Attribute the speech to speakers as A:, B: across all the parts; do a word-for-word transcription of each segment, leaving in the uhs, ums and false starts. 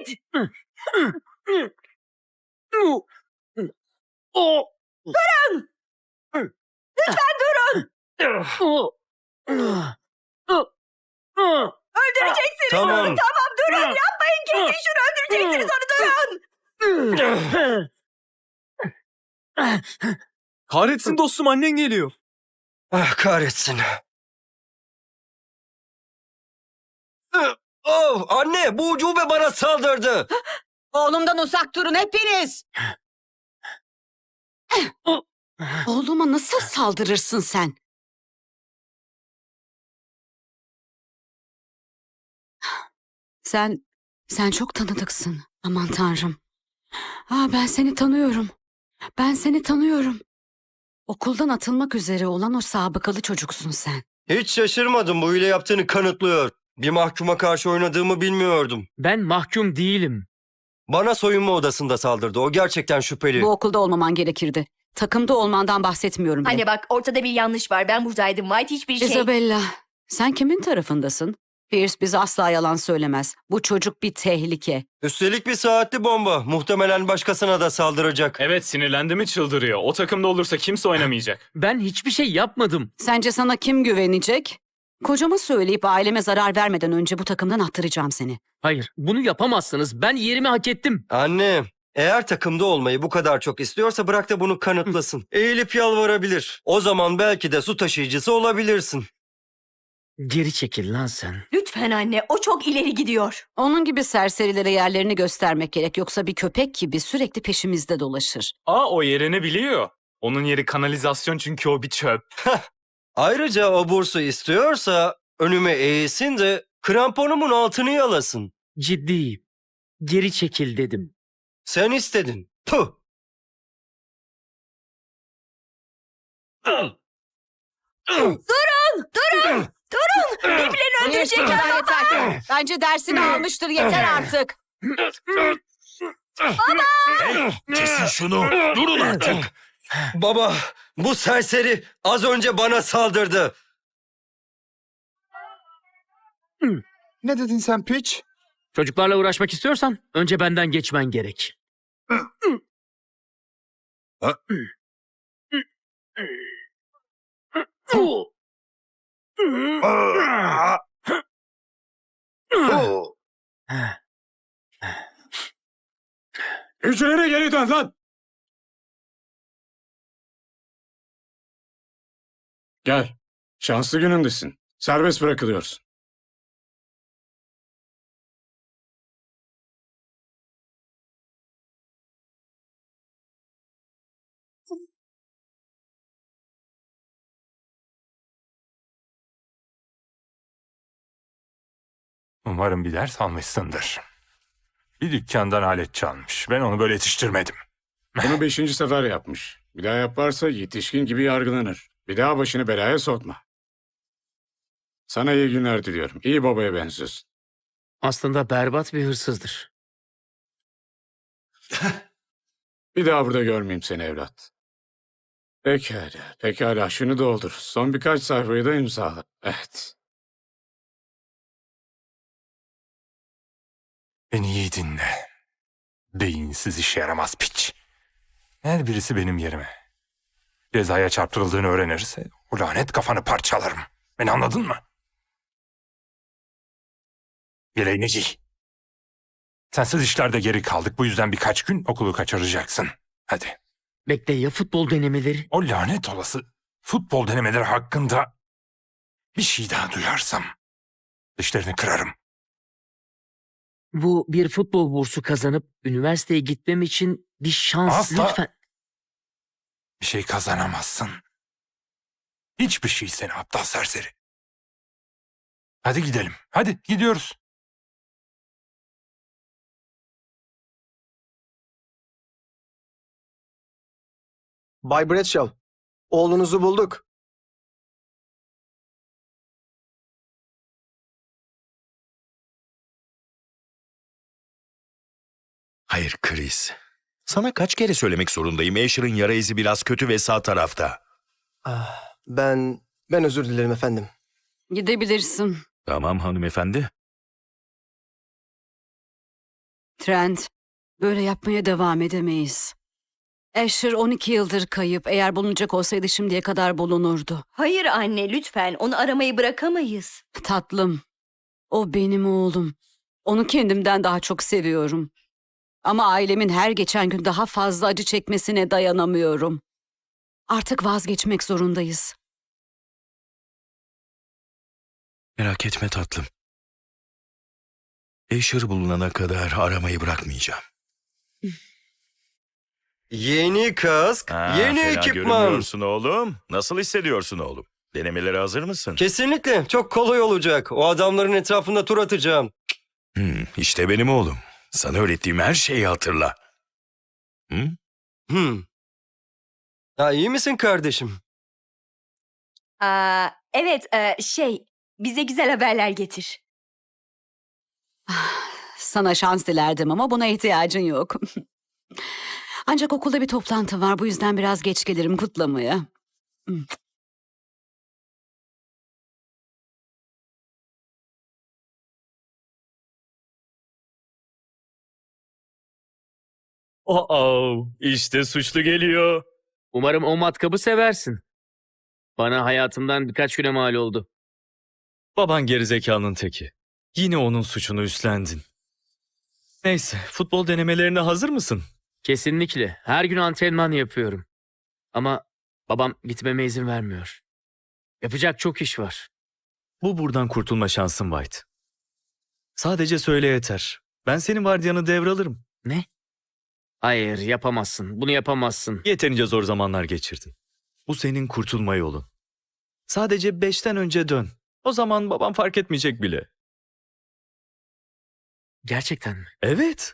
A: git. Durun. Lütfen durun. Öldüreceksiniz
B: Tamam.
A: onu. Tamam durun. Yapmayın. Kesin şunu. Öldüreceksiniz onu. Durun.
C: Kahretsin dostum, annen geliyor.
B: Ah, kahretsin. Oh, anne, bu ucube bana saldırdı.
D: Oğlumdan uzak durun hepiniz. Oğluma nasıl saldırırsın sen? Sen, sen çok tanıdıksın. Aman Tanrım. Aa, ben seni tanıyorum. Ben seni tanıyorum. Okuldan atılmak üzere olan o sabıkalı çocuksun sen.
B: Hiç şaşırmadım, bu hile yaptığını kanıtlıyor. Bir mahkuma karşı oynadığımı bilmiyordum.
C: Ben mahkum değilim.
B: Bana soyunma odasında saldırdı. O gerçekten şüpheli.
D: Bu okulda olmaman gerekirdi. Takımda olmandan bahsetmiyorum bile.
A: Anne bak ortada bir yanlış var. Ben buradaydım. White hiçbir şey...
D: Isabella, sen kimin tarafındasın? Pierce bize asla yalan söylemez. Bu çocuk bir tehlike.
B: Üstelik bir saatli bomba. Muhtemelen başkasına da saldıracak.
E: Evet, sinirlendi mi çıldırıyor. O takımda olursa kimse oynamayacak.
C: Ben hiçbir şey yapmadım.
D: Sence sana kim güvenecek? Kocama söyleyip aileme zarar vermeden önce bu takımdan attıracağım seni.
C: Hayır, bunu yapamazsınız. Ben yerimi hak ettim.
B: Anne, eğer takımda olmayı bu kadar çok istiyorsa bırak da bunu kanıtlasın. Eğilip yalvarabilir. O zaman belki de su taşıyıcısı olabilirsin.
C: Geri çekil lan sen.
A: Lütfen anne. O çok ileri gidiyor.
D: Onun gibi serserilere yerlerini göstermek gerek. Yoksa bir köpek gibi sürekli peşimizde dolaşır.
E: Aa, o yerini biliyor. Onun yeri kanalizasyon çünkü o bir çöp.
B: Ayrıca o bursu istiyorsa önüme eğilsin de kramponumun altını yalasın.
C: Ciddiyim. Geri çekil dedim.
B: Sen istedin. Puh!
A: Durun. Birbirlerini öldürecekler.
D: Yeter, yeter. Bence dersini almıştır, yeter artık.
F: Kesin şunu. Durun artık.
B: Baba, bu serseri az önce bana saldırdı.
F: Ne dedin sen piç?
C: Çocuklarla uğraşmak istiyorsan önce benden geçmen gerek.
F: Hücrene geri dön lan. Gel. Şanslı günündesin. Serbest bırakılıyorsun.
G: Umarım bir ders almışsındır. Bir dükkandan alet çalmış. Ben onu böyle yetiştirmedim.
F: Bunu beşinci sefer yapmış. Bir daha yaparsa yetişkin gibi yargılanır. Bir daha başını belaya sokma. Sana iyi günler diliyorum. İyi babaya benziyorsun.
C: Aslında berbat bir hırsızdır.
F: Bir daha burada görmeyeyim seni evlat. Pekala, pekala. Şunu doldur. Son birkaç sayfayı da imzala. Evet.
G: Beni iyi dinle. Beyinsiz, işe yaramaz piç. Eğer birisi benim yerime cezaya çarptırıldığını öğrenirse o lanet kafanı parçalarım. Beni anladın mı? Bileğini giy. Sensiz işlerde geri kaldık. Bu yüzden birkaç gün okulu kaçıracaksın. Hadi.
C: Bekle, ya futbol denemeleri?
G: O lanet olası futbol denemeleri hakkında bir şey daha duyarsam dişlerini kırarım.
C: Bu bir futbol bursu kazanıp üniversiteye gitmem için bir şans.
G: Asla.
C: Lütfen.
G: Bir şey kazanamazsın. Hiçbir şey seni aptal serseri. Hadi gidelim. Hadi gidiyoruz.
H: Bay Bradshaw, oğlunuzu bulduk.
F: Hayır Chris. Sana kaç kere söylemek zorundayım. Asher'ın yara izi biraz kötü ve sağ tarafta.
H: Ah, ben, ben özür dilerim efendim.
D: Gidebilirsin.
F: Tamam hanımefendi.
D: Trent, böyle yapmaya devam edemeyiz. Asher on iki yıldır kayıp. Eğer bulunacak olsaydı şimdiye kadar bulunurdu.
A: Hayır anne, lütfen. Onu aramayı bırakamayız.
D: Tatlım, o benim oğlum. Onu kendimden daha çok seviyorum. Ama ailemin her geçen gün daha fazla acı çekmesine dayanamıyorum. Artık vazgeçmek zorundayız.
I: Merak etme tatlım. Asher bulunana kadar aramayı bırakmayacağım.
B: Yeni kask,
I: Ha,
B: yeni
I: fena
B: ekipman.
I: görünmüyorsun oğlum. Nasıl hissediyorsun oğlum? Denemelere hazır mısın?
B: Kesinlikle çok kolay olacak. O adamların etrafında tur atacağım.
I: Hmm, işte benim oğlum. Sana öğrettiğim her şeyi hatırla. Hı?
B: Hmm. Ha, iyi misin kardeşim?
A: Aa, evet, e, şey, bize güzel haberler getir.
D: Sana şans dilerdim ama buna ihtiyacın yok. Ancak okulda bir toplantı var. Bu yüzden biraz geç gelirim kutlamaya.
E: Oh, işte suçlu geliyor.
C: Umarım o matkabı seversin. Bana hayatımdan birkaç güne mal oldu.
E: Baban gerizekalının teki. Yine onun suçunu üstlendin. Neyse, futbol denemelerine hazır mısın?
C: Kesinlikle. Her gün antrenman yapıyorum. Ama babam gitmeme izin vermiyor. Yapacak çok iş var.
E: Bu buradan kurtulma şansın White. Sadece söyle yeter. Ben senin vardiyanı devralırım.
C: Ne? Hayır, yapamazsın. Bunu yapamazsın.
E: Yeterince zor zamanlar geçirdin. Bu senin kurtulma yolun. Sadece beşten önce dön. O zaman babam fark etmeyecek bile.
C: Gerçekten mi?
E: Evet.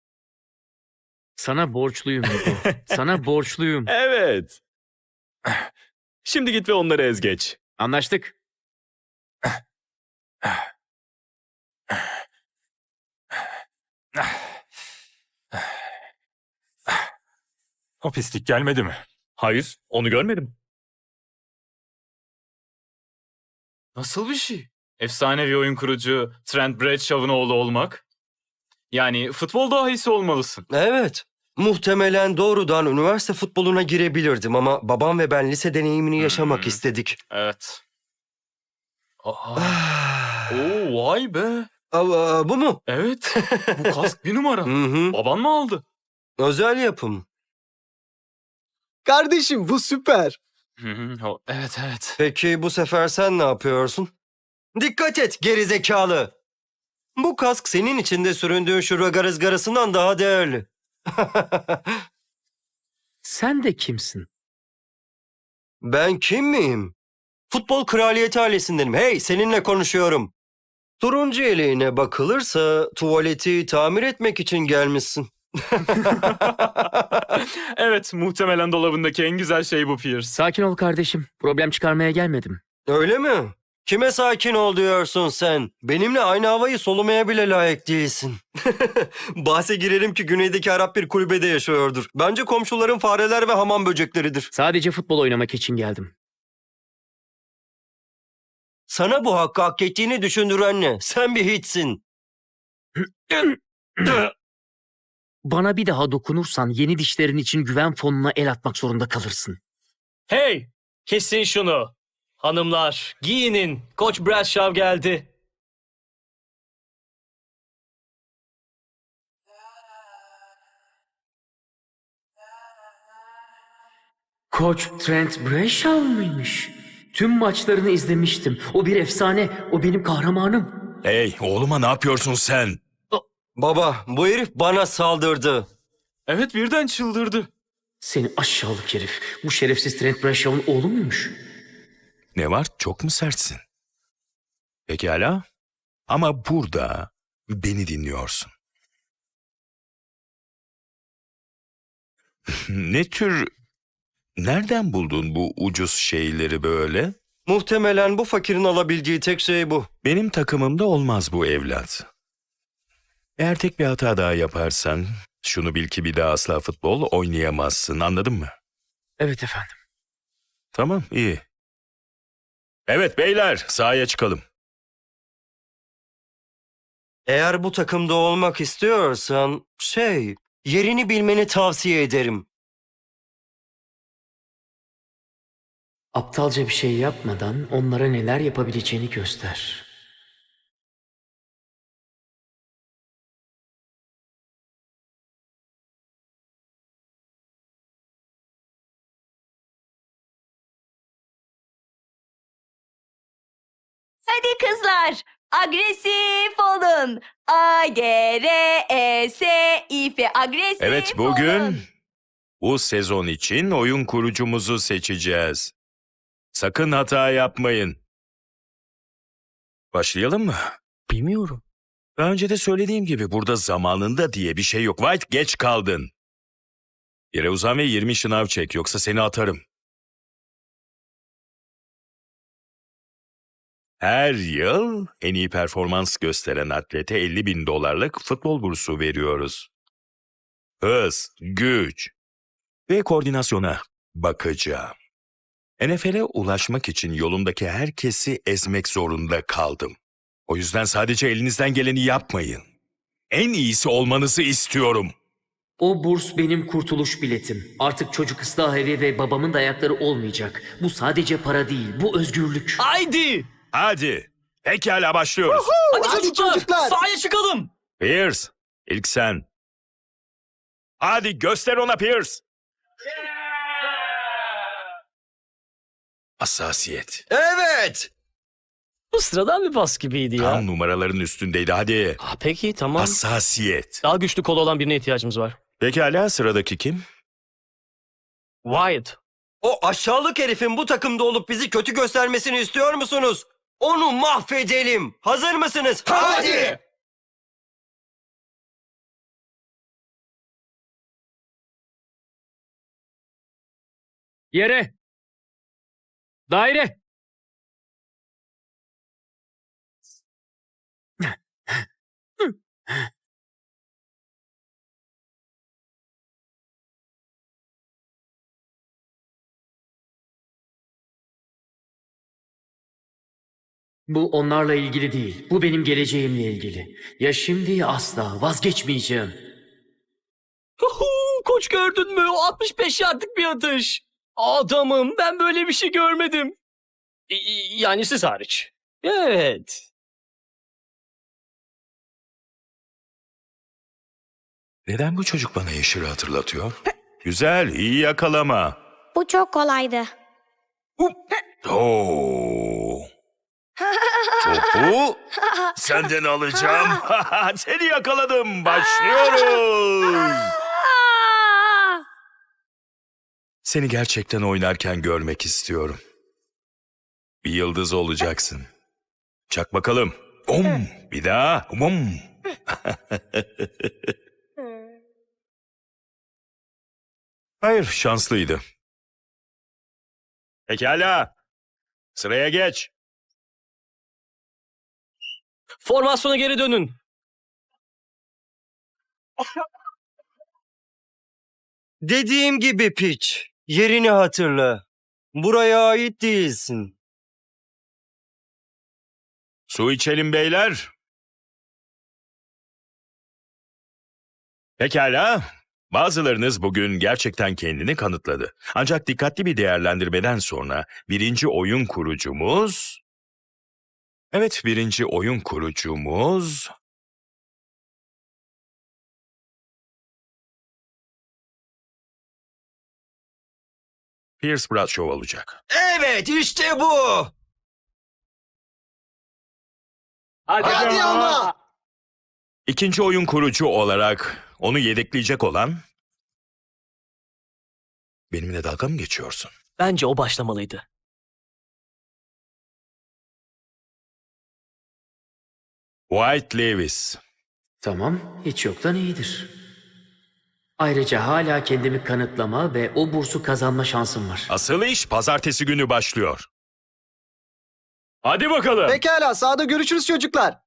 C: Sana borçluyum Hugo. Sana borçluyum.
E: Evet. Şimdi git ve onları ez geç.
C: Anlaştık.
G: O pislik gelmedi mi?
E: Hayır, onu görmedim. Nasıl bir şey? Efsanevi oyun kurucu Trent Bradshaw'ın oğlu olmak? Yani futbol dahisi olmalısın.
B: Evet. Muhtemelen doğrudan üniversite futboluna girebilirdim ama babam ve ben lise deneyimini yaşamak
E: Hmm.
B: istedik.
E: Evet. Aa,
B: Ah.
E: oo, vay be.
B: Aa, bu mu?
E: Evet, bu kask bir numara.
B: Hı hı.
E: Baban mı aldı?
B: Özel yapım.
H: Kardeşim bu süper.
E: Hı hı, o- evet, evet.
B: Peki bu sefer sen ne yapıyorsun? Dikkat et gerizekalı. Bu kask senin içinde süründüğün şu rögar ızgarasından daha değerli.
C: Sen de kimsin?
B: Ben kim miyim? Futbol kraliyeti ailesindenim. Hey, seninle konuşuyorum. Turuncu eleğine bakılırsa tuvaleti tamir etmek için gelmişsin.
E: Evet, muhtemelen dolabındaki en güzel şey bu Pierce.
C: Sakin ol kardeşim. Problem çıkarmaya gelmedim.
B: Öyle mi? Kime sakin ol diyorsun sen? Benimle aynı havayı solumaya bile layık değilsin. Bahse girerim ki güneydeki Arap bir kulübede yaşıyordur. Bence komşuların fareler ve hamam böcekleridir.
C: Sadece futbol oynamak için geldim.
B: Sana bu hakkı hak ettiğini düşündüren ne? Sen bir hiçsin.
C: Bana bir daha dokunursan yeni dişlerin için güven fonuna el atmak zorunda kalırsın.
J: Hey! Kesin şunu. Hanımlar, giyinin. Koç Bradshaw geldi.
C: Koç Trent Bradshaw mıymış? Tüm maçlarını izlemiştim. O bir efsane. O benim kahramanım.
I: Hey oğluma ne yapıyorsun sen?
B: Baba, bu herif bana saldırdı.
E: Evet, birden çıldırdı.
C: Seni aşağılık herif. Bu şerefsiz Trent Bradshaw'ın oğlu muymuş?
I: Ne var? Çok mu sertsin? Pekala. Ama burada beni dinliyorsun. Ne tür... Nereden buldun bu ucuz şeyleri böyle?
B: Muhtemelen bu fakirin alabildiği tek şey bu.
I: Benim takımımda olmaz bu evlat. Eğer tek bir hata daha yaparsan, şunu bil ki bir daha asla futbol oynayamazsın, anladın mı?
C: Evet efendim.
I: Tamam, iyi. Evet beyler, sahaya çıkalım.
B: Eğer bu takımda olmak istiyorsan şey, yerini bilmeni tavsiye ederim.
C: Aptalca bir şey yapmadan onlara neler yapabileceğini göster.
A: Hadi kızlar, agresif olun. A, G, R, E, S, İ, F, agresif
I: Evet, bugün
A: olun.
I: bu sezon için oyun kurucumuzu seçeceğiz. Sakın hata yapmayın. Başlayalım mı?
J: Bilmiyorum.
I: Daha önce de söylediğim gibi burada zamanında diye bir şey yok. White, geç kaldın. Yere uzan ve yirmi şınav çek, yoksa seni atarım. Her yıl en iyi performans gösteren atlete elli bin dolarlık futbol bursu veriyoruz. Hız, güç ve koordinasyona bakacağım. N F L'e ulaşmak için yolumdaki herkesi ezmek zorunda kaldım. O yüzden sadece elinizden geleni yapmayın. En iyisi olmanızı istiyorum.
C: O burs benim kurtuluş biletim. Artık çocuk ıslah evi ve babamın da ayakları olmayacak. Bu sadece para değil, bu özgürlük.
J: Haydi!
I: Hadi, pekala başlıyoruz.
J: Hadi,
H: Hadi
J: çocuklar,
H: çocuklar.
J: sahaya çıkalım.
I: Pierce, ilk sen. Hadi göster ona Pierce. Hassasiyet.
B: Evet!
J: Bu sıradan bir pas gibiydi ya.
I: Tam numaraların üstündeydi, hadi.
J: Ah, peki tamam.
I: Hassasiyet.
J: Daha güçlü kolu olan birine ihtiyacımız var.
I: Pekala, sıradaki kim?
J: Wyatt.
B: O aşağılık herifin bu takımda olup bizi kötü göstermesini istiyor musunuz? Onu mahvedelim. Hazır mısınız? Hadi!
C: Yere! Daire! Bu onlarla ilgili değil. Bu benim geleceğimle ilgili. Ya şimdi ya asla. Vazgeçmeyeceğim.
J: Huhu, koç gördün mü? O altmış beş yardlık bir atış. Adamım, ben böyle bir şey görmedim. Y- y- Yani siz hariç. Evet.
I: Neden bu çocuk bana Yeşil'i hatırlatıyor? Güzel, iyi yakalama.
K: Bu çok kolaydı.
I: Oo. Topu senden alacağım. Seni yakaladım. Başlıyoruz. Seni gerçekten oynarken görmek istiyorum. Bir yıldız olacaksın. Çak bakalım. Om. Bir daha. Om. Hayır, şanslıydı. Pekala. Sıraya geç.
J: Formasyona geri dönün.
B: Dediğim gibi piç. Yerini hatırla. Buraya ait değilsin.
I: Su içelim beyler. Pekala. Bazılarınız bugün gerçekten kendini kanıtladı. Ancak dikkatli bir değerlendirmeden sonra birinci oyun kurucumuz... Evet, birinci oyun kurucumuz... Pierce Bradshaw olacak.
B: Evet, işte bu.
J: Hadi,
H: Hadi ama.
I: İkinci oyun kurucu olarak onu yedekleyecek olan... Benimle dalga mı geçiyorsun?
J: Bence o başlamalıydı.
I: White Lewis.
C: Tamam, hiç yoktan iyidir. Ayrıca hala kendimi kanıtlama ve o bursu kazanma şansım var.
I: Asıl iş pazartesi günü başlıyor. Hadi bakalım.
H: Pekala, sahada görüşürüz çocuklar.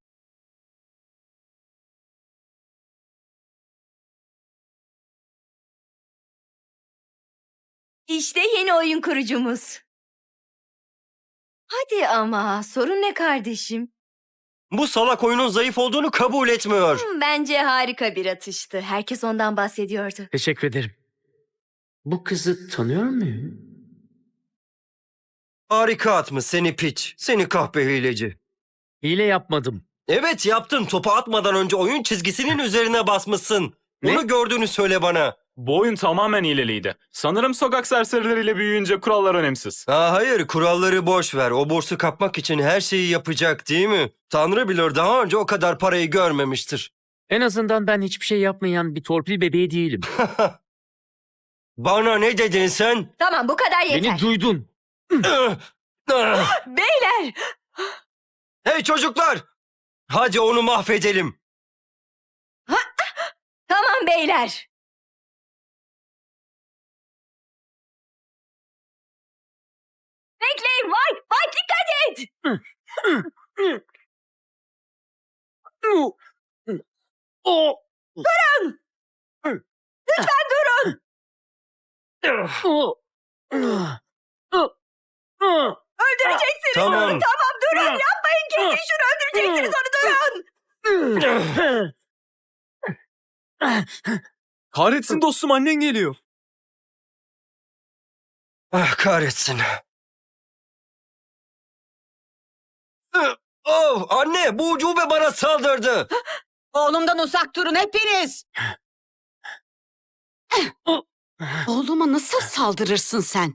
A: İşte yeni oyun kurucumuz. Hadi ama sorun ne kardeşim?
B: Bu salak oyunun zayıf olduğunu kabul etmiyor.
A: Hmm, Bence harika bir atıştı. Herkes ondan bahsediyordu.
C: Teşekkür ederim. Bu kızı tanıyor muyum?
B: Harika atmış seni piç. Seni kahpe hileci.
C: Hile yapmadım.
B: Evet yaptın. Topu atmadan önce oyun çizgisinin üzerine basmışsın.
C: Ne?
B: Bunu gördüğünü söyle bana.
E: Bu oyun tamamen hileliydi. Sanırım sokak serserileriyle büyüyünce kurallar önemsiz.
B: Ha, hayır kuralları boş ver. O bursu kapmak için her şeyi yapacak değil mi? Tanrı bilir daha önce o kadar parayı görmemiştir.
C: En azından ben hiçbir şey yapmayan bir torpil bebeği değilim.
B: Bana ne dedin sen?
A: Tamam bu kadar yeter.
C: Beni duydun.
A: Beyler!
B: Hey çocuklar! Hadi onu mahvedelim.
A: Tamam beyler. Bekleyin White! White dikkat et!
C: O.
A: Durun! Lütfen durun! Öldüreceksiniz
B: Tamam.
A: onu! Tamam durun! Yapmayın! Kesin şunu öldüreceksiniz onu! Durun!
E: Kahretsin dostum, annen geliyor.
B: Ah kahretsin. Oh anne bu ucube bana saldırdı.
D: Oğlumdan uzak durun hepiniz. Oğluma nasıl saldırırsın sen?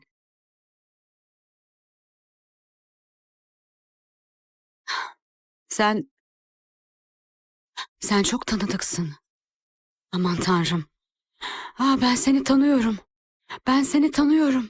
D: Sen... Sen çok tanıdıksın. Aman tanrım. Aa, ben seni tanıyorum. Ben seni tanıyorum.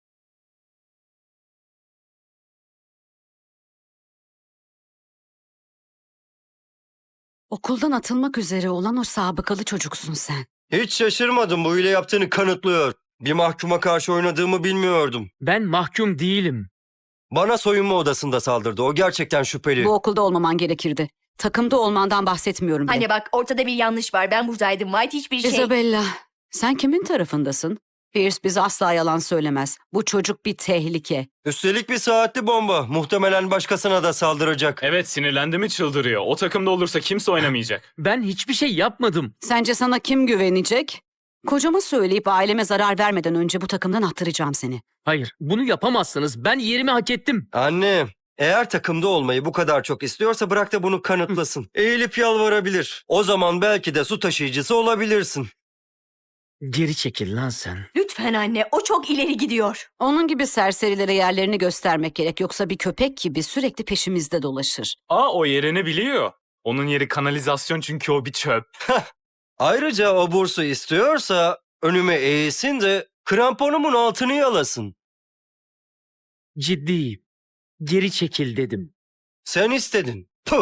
D: Okuldan atılmak üzere olan o sabıkalı çocuksun sen.
B: Hiç şaşırmadım bu hile yaptığını kanıtlıyor. Bir mahkuma karşı oynadığımı bilmiyordum.
C: Ben mahkum değilim.
B: Bana soyunma odasında saldırdı. O gerçekten şüpheli.
D: Bu okulda olmaman gerekirdi. Takımda olmandan bahsetmiyorum bile.
A: Anne bak ortada bir yanlış var. Ben buradaydım. White hiçbir şey...
D: Isabella, sen kimin tarafındasın? Pierce bize asla yalan söylemez. Bu çocuk bir tehlike.
B: Üstelik bir saatli bomba. Muhtemelen başkasına da saldıracak.
E: Evet, sinirlendi mi çıldırıyor. O takımda olursa kimse oynamayacak.
C: Ben hiçbir şey yapmadım.
D: Sence sana kim güvenecek? Kocama söyleyip aileme zarar vermeden önce bu takımdan attıracağım seni.
C: Hayır, bunu yapamazsınız. Ben yerimi hak ettim.
B: Anne, eğer takımda olmayı bu kadar çok istiyorsa bırak da bunu kanıtlasın. Eğilip yalvarabilir. O zaman belki de su taşıyıcısı olabilirsin.
C: Geri çekil lan sen.
A: Lütfen anne. O çok ileri gidiyor.
D: Onun gibi serserilere yerlerini göstermek gerek. Yoksa bir köpek gibi sürekli peşimizde dolaşır.
E: Aa, o yerini biliyor. Onun yeri kanalizasyon çünkü o bir çöp.
B: Ayrıca o bursu istiyorsa önüme eğilsin de kramponumun altını yalasın.
C: Ciddiyim. Geri çekil dedim.
B: Sen istedin. Puh!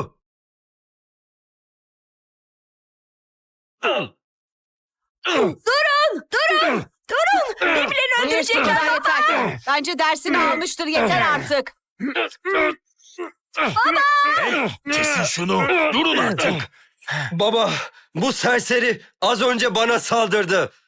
A: Durun! Birbirlerini öldürecekler baba!
D: Bence dersini almıştır yeter artık.
I: Kesin şunu. Durun artık.
B: Baba, bu serseri az önce bana saldırdı.